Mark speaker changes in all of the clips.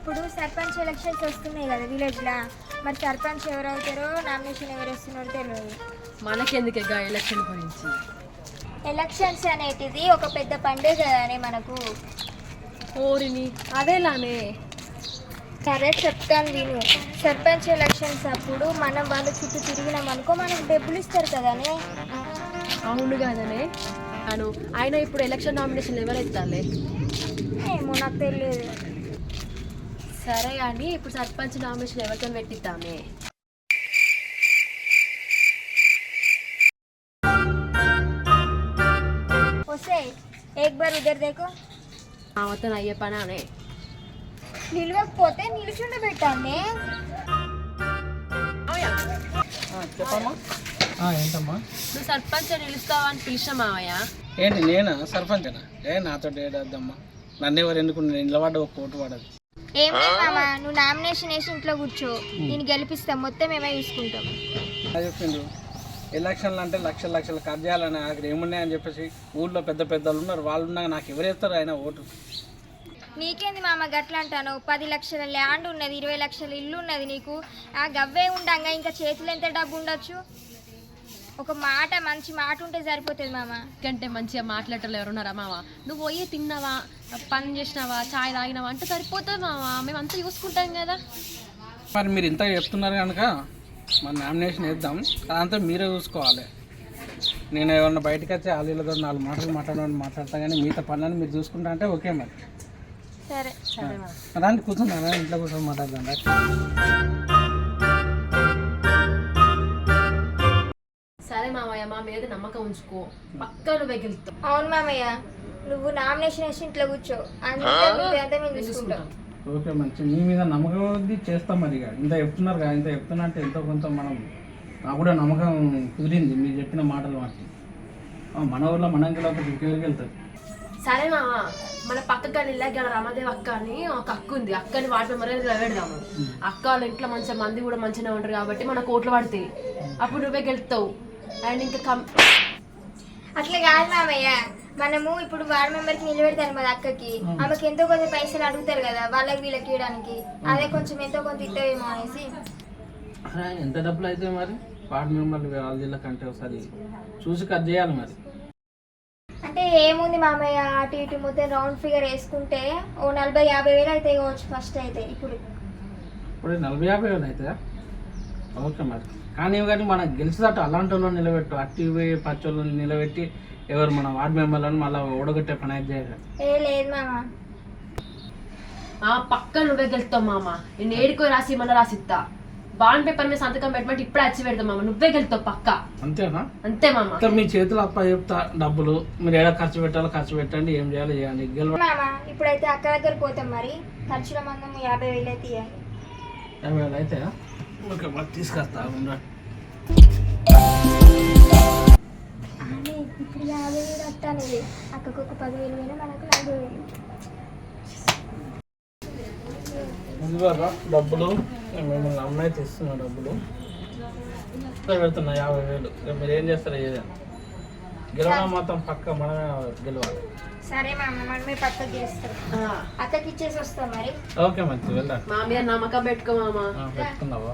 Speaker 1: ఇప్పుడు సర్పంచ్ ఎలక్షన్స్ వస్తున్నాయి కదా విలేజ్లో, మరి సర్పంచ్ ఎవరు అవుతారో నామినేషన్ ఎవరు వస్తున్నారో తెలియదు.
Speaker 2: మనకెందుకు ఎలక్షన్ గురించి?
Speaker 1: ఎలక్షన్స్ అనేటిది ఒక పెద్ద పండుగ కదానే మనకు.
Speaker 2: ఓరిని అదేలానే.
Speaker 1: సరే చెప్తాను విను. సర్పంచ్ ఎలక్షన్స్ అప్పుడు మనం వాళ్ళ చుట్టూ తిరిగినాం అనుకో, మనకు డబ్బులు ఇస్తారు కదానే.
Speaker 2: అవును కదనే. అను ఆయన ఇప్పుడు ఎలక్షన్ నామినేషన్ ఎవరైతాలే?
Speaker 1: ఏమో నాకు తెలియదు.
Speaker 2: సరే అని ఇప్పుడు సర్పంచ్ నామినేషన్ ఎవరితో పెట్టిద్దామే?
Speaker 1: వస్తే ఏక్ బార్ ఉదర్ దేకో.
Speaker 2: ఆమెతో అయ్యే పనానే.
Speaker 1: నిలవకపోతే నిలుచుండ పెట్టానే.
Speaker 3: చెప్పమ్మా. ఏంటమ్మా?
Speaker 2: నువ్వు సర్పంచ్ నిలుస్తావా అని పిలిచిన మావయ్య.
Speaker 3: ఏంటి నేనా సర్పంచనా? నాతో ఏడద్దమ్మా. నన్ను ఎవరు ఎందుకు నిలబడ్డ ఒక కోటు పడదు.
Speaker 1: ఏం లేదు మామ, నువ్వు నామినేషన్ వేసి ఇంట్లో కూర్చో, నేను గెలిపిస్తాం, మొత్తం మేమే చూసుకుంటాం.
Speaker 3: చెప్పిండు ఎలక్షన్లు అంటే లక్షల లక్షలు ఖర్చు చేయాలని అక్కడ ఏమున్నాయని చెప్పేసి ఊళ్ళో పెద్ద పెద్దలు ఉన్నారు, వాళ్ళు ఉన్నాక నాకు ఎవరేస్తారు ఆయన ఓటు?
Speaker 1: నీకేంది మామ గట్లా అంటాను? 10 లక్షల ల్యాండ్ ఉన్నది, 20 లక్షల ఇల్లు ఉన్నది నీకు. ఆ గవ్వే ఉండంగా ఇంకా చేతులు ఎంత డబ్బు ఉండొచ్చు? ఒక మాట, మంచి మాట ఉంటే సరిపోతుంది మామ.
Speaker 2: కంటే మంచిగా మాట్లాడటం ఎవరున్నారా మామ? నువ్వు పోయి తిన్నావా, పని చేసినావా, చాయ్ తాగినావా అంటే సరిపోతుంది మామ, మేము అంతా చూసుకుంటాం కదా.
Speaker 3: మరి మీరు ఇంత చెప్తున్నారు కనుక మన నామినేషన్ వేద్దాం, అదంతా మీరే చూసుకోవాలి. నేను ఏమన్నా బయటకు వచ్చి వాళ్ళతో 4 మాటలు మాట్లాడతాను, కానీ మిగతా పనులను మీరు చూసుకుంటా అంటే ఓకే. మరి
Speaker 1: సరే
Speaker 2: సరే
Speaker 3: అలాంటి కూర్చున్నారా? ఇంట్లో కూర్చొని మాట్లాడదాం.
Speaker 2: సరే మామయ్య, మా మీద నమ్మకం ఉంచుకో, పక్కా నువ్వే గెలుస్తావు.
Speaker 1: అవును మామయ్య, నువ్వు నామినేషన్ వేసి ఇంట్లో కూర్చో, అంతా మేము చూసుకుంటాం.
Speaker 3: ఓకే, మంచి మీ మీద నమ్మకం ఉంది, చేస్తాం. మరి ఇంత చెప్తున్నారు కదా, ఇంత చెప్తున్నా అంటే ఎంతో కొంత మనం నాకు కూడా నమ్మకం కుదిరింది మీరు చెప్పిన మాటలు. మాకు మన ఊర్లో మనం గెలవకపోతే ఇంకెవరికి వెళ్తుంది?
Speaker 2: సరే మామ, మన పక్క ఇళ్ళకి రమాదేవి అక్క అని ఒక అక్క ఉంది, అక్కని వాటి మెంబర్ నిలబెడదాము. అక్క వాళ్ళ ఇంట్లో మంచిగా మంది కూడా మంచిగా ఉంటారు కాబట్టి మన కోట్లు పడతాయి, అప్పుడు నువ్వే గెలుస్తావు. అండ్ ఇంకా
Speaker 1: అట్లా కాదు మామయ్య, మనము ఇప్పుడు వార్డ్ మెంబర్కి నిలబెడతాను మరి అక్కకి, ఆమెకి ఎంతో కొంత పైసలు అడుగుతారు కదా వాళ్ళకి వీళ్ళకి ఇవ్వడానికి, అదే కొంచెం ఎంతో కొంత ఇస్తావేమో అనేసి.
Speaker 3: ఎంత డబ్బులు అయితే మరి వార్డు మెంబర్లు వాళ్ళ జిల్లా కంటే ఒకసారి చూసి కట్ చేయాలి. మరి
Speaker 1: అంటే ఏముంది మామయ్య, అటు ఇటు మొత్తం రౌండ్ ఫిగర్ వేసుకుంటే ఓ 40-50 వేలు అయితే కావచ్చు ఫస్ట్ అయితే. ఇప్పుడు
Speaker 3: 40-50 వేలు అవుతుందా? ఓకే మరి, కానీ మనకు గెలిచేటట్టు అలాంటి వాళ్ళని నిలబెట్టు, అట్టి పచ్చోళ్ళని నిలబెట్టి ఎవరు మన వార్డు మెంబర్లను మళ్ళీ ఓడగొట్టే పని అయితే చేయరు.
Speaker 1: లేదు మామ,
Speaker 2: పక్క నువ్వే గెలుస్తావు మామ. నేను ఏడుకో రాసి మళ్ళీ రాసిస్తా, బాండ్ పేపర్ మీద సంతకం పెట్టమంటే ఇప్పుడే వచ్చి పెడతాం మామ, నువ్వే గెలుస్తావు పక్క.
Speaker 3: అంతేనా?
Speaker 2: అంతే మామ.
Speaker 3: మీ చేతులు అప్ప చెప్తా, డబ్బులు మీరు ఏడా ఖర్చు పెట్టాలో ఖర్చు పెట్టండి, ఏం చేయాలో చేయండి.
Speaker 1: మామ ఇప్పుడైతే అక్క దగ్గర పోతాం, మరి ఖర్చుల మందం 50 వేలు అయితే ఇవ్వాలి.
Speaker 3: 50 వేలు అయితే ఓకే, మరి తీసుకొస్తా.
Speaker 1: ఇప్పుడు 50 వేలు వస్తానేది, అక్కకు ఒక 10 వేలు అయినా మనకు 40 వేలు.
Speaker 3: డబ్బులు మిమ్మల్ని అమ్మాయి తెస్తున్నా, డబ్బులు పెడుతున్నా 50 వేలు. మీరు ఏం చేస్తారో ఏదైనా గెలవడం మొత్తం పక్క మనమే గెలవాలి.
Speaker 1: సరే మామ, మనమే పక్కకి చేస్తాం, అక్కకి ఇచ్చేసి వస్తాం మరి.
Speaker 3: ఓకే మంచి, వెళ్ళాలి.
Speaker 2: మా మీద నమ్మకం పెట్టుకో మామ.
Speaker 3: పెట్టుకున్నావా?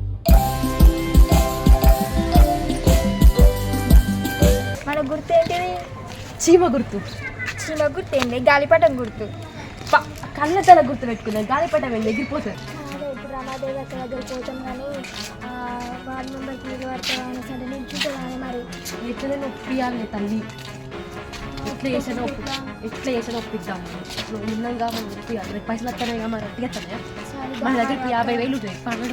Speaker 1: మన గుర్తు ఏంటిది?
Speaker 2: చీమ గుర్తు.
Speaker 1: చీమ గుర్తు ఏంటి? గాలిపటం గుర్తు.
Speaker 2: కళ్ళ తల గుర్తు పెట్టుకున్నా, గాలిపటం వెళ్ళి ఎగిరిపోతుంది.
Speaker 1: ఇప్పుడు రమాదేవి అక్క దగ్గర పోతాం, కానీ వార్డు మెంబర్కి నిలబడతాం అనేసి అంటే నిల్చుంటాం కానీ మరి
Speaker 2: ఎట్లనే నొప్పియాలి తల్లి, ఎట్లా చేసిన ఒప్పిద్దాం. నువ్వు నిన్నంగా మనం నొప్పియాలి, రేపు పైసలు వస్తానే మరి అట్టిస్తానే. మన దగ్గర 50 వేలు ఉంటాయి, పర్వాలేదు.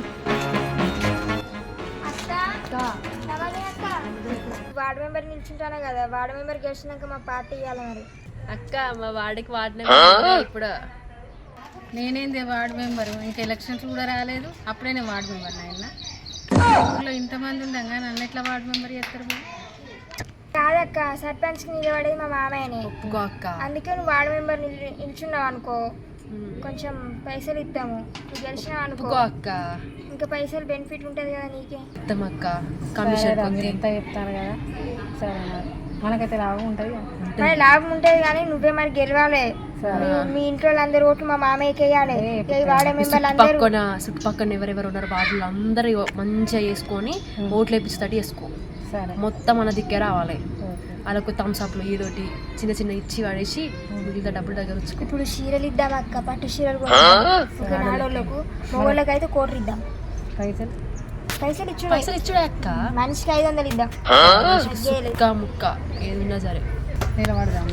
Speaker 1: వార్డు మెంబర్ నిల్చుంటాను కదా, వార్డు మెంబర్ గెలిచినాక మా పార్టీ ఇవ్వాలి మరి.
Speaker 2: అక్క మా వాడికి వాడిన ఇప్పుడు
Speaker 4: నేనేంది వార్డు మెంబరు, ఇంకా ఎలక్షన్స్ కూడా రాలేదు, అప్పుడే నేను వార్డు మెంబర్. నాయన ఊళ్ళో ఇంతమంది ఉండగా నన్ను ఎట్లా వార్డు మెంబర్ చేస్తారు?
Speaker 1: కాదక్క, సర్పంచ్కి నిలబడేది మా మామయ్యనే.
Speaker 2: ఒప్పుకో అక్క.
Speaker 1: అందుకే నువ్వు వార్డు మెంబర్ నిల్చున్నావు అనుకో, కొంచెం పైసలు ఇద్దాము. నువ్వు గెలిచినావు అనుకో
Speaker 2: అక్క,
Speaker 1: ఇంకా పైసలు బెనిఫిట్ ఉంటుంది కదా నీకే.
Speaker 2: ఇద్దాం అక్క, కమిషన్
Speaker 4: ఎంత చెప్తాను కదా. సరే మరి మనకైతే లాభం ఉంటుంది
Speaker 1: మరి లాభం ఉంటుంది కానీ నువ్వే మరి గెలవాలి. మీ ఇంట్లో అందరు ఓట్లు మా మామయ్యకి వేయాలి. వాడే మెంబర్లు అందరూ
Speaker 2: చుట్టుపక్కన ఎవరెవరు ఉన్నారు వాళ్ళు అందరూ మంచిగా వేసుకొని ఓట్లు వేపించేటట్టు వేసుకో.
Speaker 4: సరే
Speaker 2: మొత్తం మన దిక్కే రావాలి. వాళ్ళకు థమ్స్అప్లు ఏదోటి చిన్న చిన్న ఇచ్చి వాడేసి మిగతా డబ్బులు దగ్గర వచ్చుకో.
Speaker 1: ఇప్పుడు చీరలు ఇద్దాం అక్క, పట్టు చీరలు ఆడోళ్ళకు, మగోళ్ళకి అయితే కోట్లు ఇద్దాం. పైసలు
Speaker 2: ఇచ్చుడే అక్క.
Speaker 1: మనిషికి 500 ఇద్దాం.
Speaker 2: ముక్క ముక్క ఏదున్నా సరే
Speaker 4: నిలబడదాం.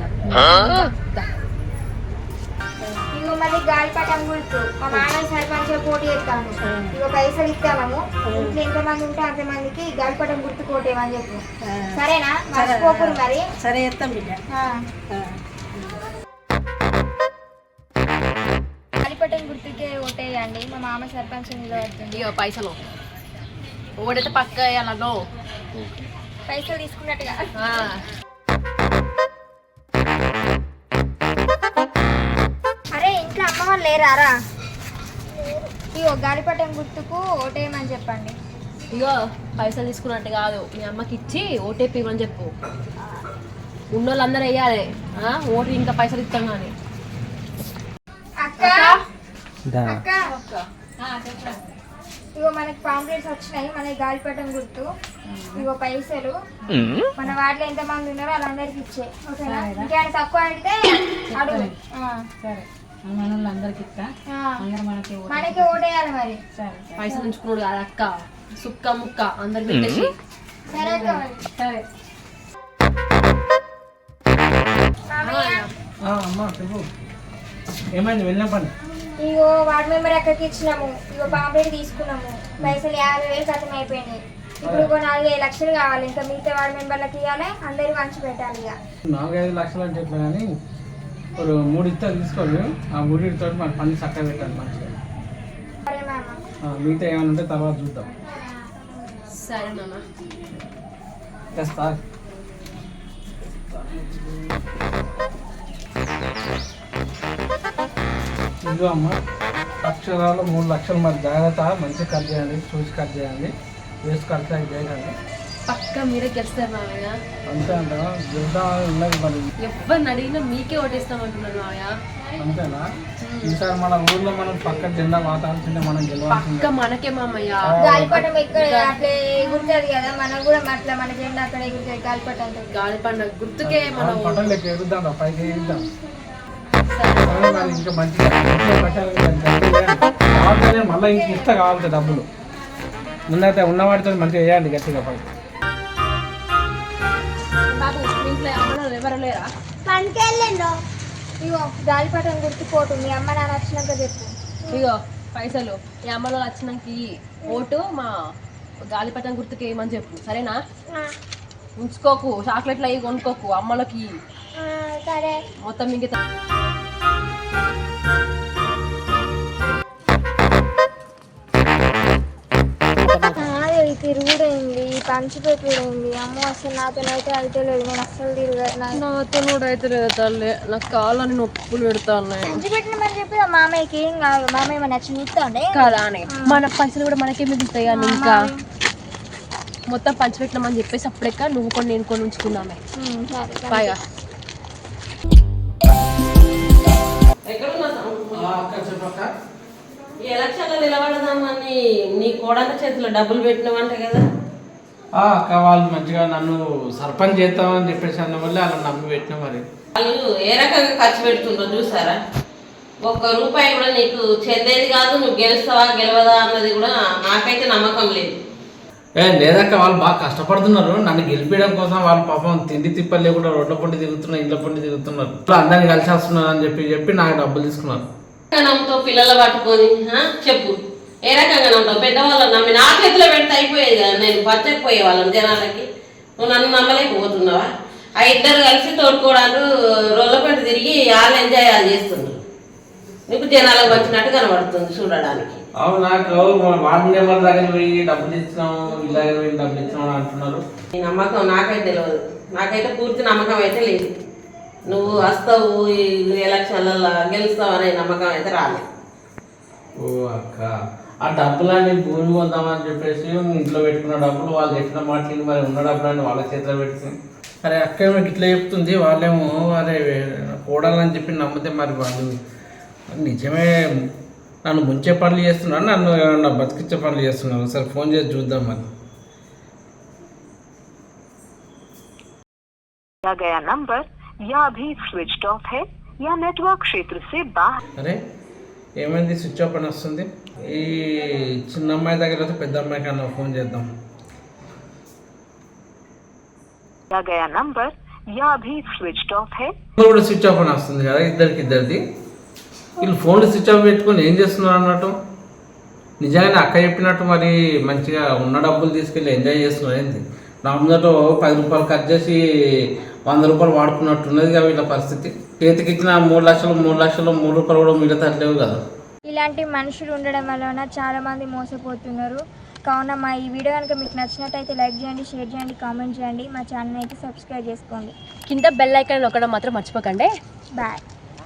Speaker 1: ఇగో మళ్ళీ గాలిపటం గుర్తు మా మామయ్య సర్పంచ్ పోటీ చేస్తాను. ఇగో పైసలు ఇస్తాము. ఇంట్లో ఎంతమంది ఉంటే అంతమందికి గాలిపటం గుర్తు కోటేమని చెప్పు. సరేనా? మర్చిపోకూడదు మరి.
Speaker 4: సరే చేస్తాం బిడ్డ.
Speaker 1: గాలిపటం గుర్తుకే ఓటేయండి. మా మామ సర్పంచ్ నిలబడుతుంది.
Speaker 2: ఇక పైసలు ఓడైతే పక్క వేయాలనో
Speaker 1: పైసలు తీసుకున్నట్టుగా. అరే ఇంట్లో అమ్మ వాళ్ళు లేరారా? ఇగో గాలిపటం గుర్తుకు ఓటేయమని చెప్పండి.
Speaker 2: ఇగో పైసలు తీసుకున్నట్టు కాదు, మీ అమ్మకి ఇచ్చి ఓటేపిమని చెప్పు. ఉన్నోళ్ళందరూ వేయాలి. ఓటు ఇంకా పైసలు ఇస్తాం కానీ.
Speaker 1: అక్క ఇగో మనకి పాంప్లెట్స్ వచ్చినాయి. మనకి గాలిపటం గుర్తు. ఇగో పైసలు మన వాటిలో ఎంత మంది ఉన్నారో వాళ్ళందరికి ఇచ్చే. ఓకేనా? ఇంకేమైనా తక్కువ అడిగితే అడుగు.
Speaker 4: సరే మనోళ్ళందరికి ఇస్తా.
Speaker 1: మనకి ఓటేయాలి మరి.
Speaker 4: సరే
Speaker 2: పైసలు ఉంచుకున్నాడు కాదు అక్క, సుక్క ముక్క అందరు పెట్టేసి.
Speaker 1: సరే అక్క మరి.
Speaker 4: సరే
Speaker 3: అమ్మా చెప్పు, ఏమైంది? వెళ్ళిన పని
Speaker 1: ఇగో వార్డ్ మెంబర్ అక్కడికి ఇచ్చినాము. ఇగో పాంప్లెట్ తీసుకున్నాము. పైసలు 50,000 ఖతం అయిపోయినాయి. ఇప్పుడు ఒక 4-5 లక్షలు కావాలి. ఇంకా మిగతా వార్డ్ మెంబర్లకు ఇవ్వాలి. అందరికి పంచి పెట్టాలి. ఇక
Speaker 3: 4-5 లక్షలు అంటే ఎట్లా కానీ ఇప్పుడు 3 ఇస్తారు తీసుకోండి. ఆ 3 మన పని చక్కగా పెట్టాలి మంచిగా.
Speaker 1: సరే మామ.
Speaker 3: మిగతా ఏమైనా ఉంటే తర్వాత చూద్దాం.
Speaker 2: సరే నాన్న.
Speaker 3: తెస్తా. ఇదిగో అమ్మ, అక్షరాలు 3 లక్షలు. మరి జాగ్రత్త, మంచిగా కట్ చేయండి, చూసి కట్ చేయండి. వేస్ట్ ఖర్చు అయితే చేయకండి.
Speaker 2: పక్క మీరే గెలుస్తారు మామయ్య.
Speaker 3: అంతే అంట ఉన్నది మరి.
Speaker 2: ఎవరిని అడిగినా మీకే ఓటేస్తామంటున్నారు మామయ్య.
Speaker 3: అంతేనా? ఈసారి మన ఊర్లో మనం పక్క జెండా వాతాల్సిందే, మనం గెలవాల్సిందే.
Speaker 2: పక్క మనకే మామయ్య.
Speaker 1: గాలిపటం ఎక్కడ అట్లా ఎగురుతుంది కదా, మనకు కూడా అట్లా మన జెండా అక్కడ ఎగురుతుంది. గాలిపటం
Speaker 2: గాలి పండుగ గుర్తుకే మనం
Speaker 3: పట్టం లెక్క ఎగురుద్దాం, పైకి ఎగురుద్దాం. ఇంకా మంచిగా మళ్ళీ ఇంక ఇస్తా కావాలి డబ్బులు. ముందైతే ఉన్నవాడితో మంచిగా వేయండి గట్టిగా పైకి.
Speaker 2: బాబు ఇంట్లో అమ్మలు ఎవరు లేరా?
Speaker 1: ఇగో గాలిపటం గుర్తుకోటు మీ అమ్మ నాన్న వచ్చినాక చెప్పు.
Speaker 2: ఇగో పైసలు ఈ అమ్మలో వచ్చినాక ఓటు మా గాలిపటం గుర్తుకి వేయమని చెప్పు. సరేనా? ఉంచుకోకు, చాక్లెట్లు అవి కొనుక్కోకు. అమ్మలకి
Speaker 1: సరే
Speaker 2: మొత్తం మిగతా
Speaker 1: తిరుగుడైంది, పంచిపెట్టుడైంది. అమ్మ అసలు నాతోనైతే అయితే లేదు. నేను అస్సలు
Speaker 2: నాతో కూడా అయితే లేదు తల్లి. నాకు కాళ్ళని నొప్పులు పెడతాను.
Speaker 1: పంచిపెట్టినమని చెప్పి మామయ్యకి ఏం కాదు. మామయ్య మన చూస్తాండే
Speaker 2: కదా అని మన పైసలు కూడా మనకే మిగులుతాయి కానీ ఇంకా మొత్తం పంచిపెట్టినామని చెప్పేసి అప్పుడెక్క నువ్వు కొన్ని నేను కొన్ని ఉంచుకున్నామే. బాగా
Speaker 5: ఎలక్షన్లో నిలబడదామని నీ కోడల చేతిలో డబ్బులు పెట్టినావంట కదా.
Speaker 3: అక్క వాళ్ళు మంచిగా నన్ను సర్పంచ్ చేస్తామని చెప్పేసి అన్న వల్ల అలా నమ్మి పెట్టినా. మరి
Speaker 5: వాళ్ళు ఏ రకంగా ఖర్చు పెడుతుందో చూసారా? ₹1 కూడా నీకు చెందేది కాదు. నువ్వు గెలుస్తావా గెలవదా అన్నది కూడా నాకైతే నమ్మకం లేదు.
Speaker 3: లేదక్క, వాళ్ళు బాగా కష్టపడుతున్నారు. నన్ను గెలిపించడం కోసం వాళ్ళు పాపం తిండి తిప్పలు లేకుండా రోడ్ల పొండి తిరుగుతున్నారు, ఇంట్లో పొండి తిరుగుతున్నారు. అందరినీ కలిసి వస్తున్నారు అని చెప్పి నాకు డబ్బులు తీసుకున్నారు.
Speaker 5: నమ్ముతావు పిల్లలు పట్టుకొని? చెప్పు, ఏ రకంగా నమ్ముతావు? పెద్దవాళ్ళని నమ్మి నా చేతిలో పెడితే అయిపోయేది కదా. నేను పచ్చకపోయే వాళ్ళని జనాలకి. నువ్వు నన్ను నమ్మలేకపోతున్నావా? ఆ ఇద్దరు కలిసి తోడుకోవడాలు రోడ్ల పంట తిరిగి వాళ్ళు ఎంజాయ్ చేస్తున్నారు. నీకు జనాలకు వచ్చినట్టు కనబడుతుంది చూడడానికి.
Speaker 3: అవును, నాకు వార్డు మెంబర్ దగ్గర పోయి డబ్బులు ఇచ్చినాము, ఇలాగ పోయి డబ్బులు ఇచ్చినాము అంటున్నారు.
Speaker 5: నీ నమ్మకం నాకైతే తెలియదు. నాకైతే పూర్తి నమ్మకం అయితే లేదు. నువ్వు వస్తావు ఈ ఎలక్షన్లలో గెలుస్తావు అనే నమ్మకం అయితే రాలేదు.
Speaker 3: ఓ అక్క, ఆ డబ్బులన్నీ భూమి కొందామని చెప్పేసి ఇంట్లో పెట్టుకున్న డబ్బులు వాళ్ళు చెప్పిన మాటలు మరి ఉన్న డబ్బులన్నీ వాళ్ళ చేతిలో పెట్టి అరే అక్క ఏమో ఇట్లా చెప్తుంది, వాళ్ళేమో అరే కూడాలని చెప్పి నమ్మితే మరి వాళ్ళు నిజమే నన్ను ముంచే పనులు చేస్తున్నారు, నన్ను ఏమన్నా బతికిచ్చే పనులు చేస్తున్నారు. సరే ఫోన్ చేసి చూద్దాం మరి.
Speaker 6: गया नंबर या अभी स्विच ऑफ है या नेटवर्क क्षेत्र से बाहर।
Speaker 3: అరే ఏమైంది స్విచ్ ఆఫ్ అని వస్తుంది? ఈ చిన్న అమ్మాయి దగ్గర అయితే పెద్ద అమ్మాయి కన్నా ఫోన్ చేద్దాం.
Speaker 6: गया नंबर या अभी स्विच ऑफ है।
Speaker 3: కూడా స్విచ్ ఆఫ్ అని వస్తుంది కదా ఇద్దరిది. వీళ్ళు ఫోన్లు స్విచ్ ఆఫ్ పెట్టుకొని ఏం చేస్తున్నారు అన్నట్టు. నిజంగానే అక్క చెప్పినట్టు మరి మంచిగా ఉన్న డబ్బులు తీసుకెళ్ళి ఎంజాయ్ చేస్తున్నారు ఏంటి? నా ముందట 10 రూపాయలు కట్ చేసి 100 రూపాయలు వాడుకున్నట్టున్నది కదా వీళ్ళ పరిస్థితి. చేతికి ఇచ్చిన 3 లక్షలు 3 రూపాయలు కూడా మిగతాట్లేవు కదా.
Speaker 1: ఇలాంటి మనుషులు ఉండడం వలన చాలామంది మోసపోతున్నారు. కావున మా ఈ వీడియో కనుక మీకు నచ్చినట్టయితే లైక్ చేయండి, షేర్ చేయండి, కామెంట్ చేయండి. మా ఛానల్ అయితే సబ్స్క్రైబ్ చేసుకోండి.
Speaker 2: కింద బెల్ ఐకాన్ నొక్కడం మాత్రం మర్చిపోకండి.
Speaker 1: బాయ్.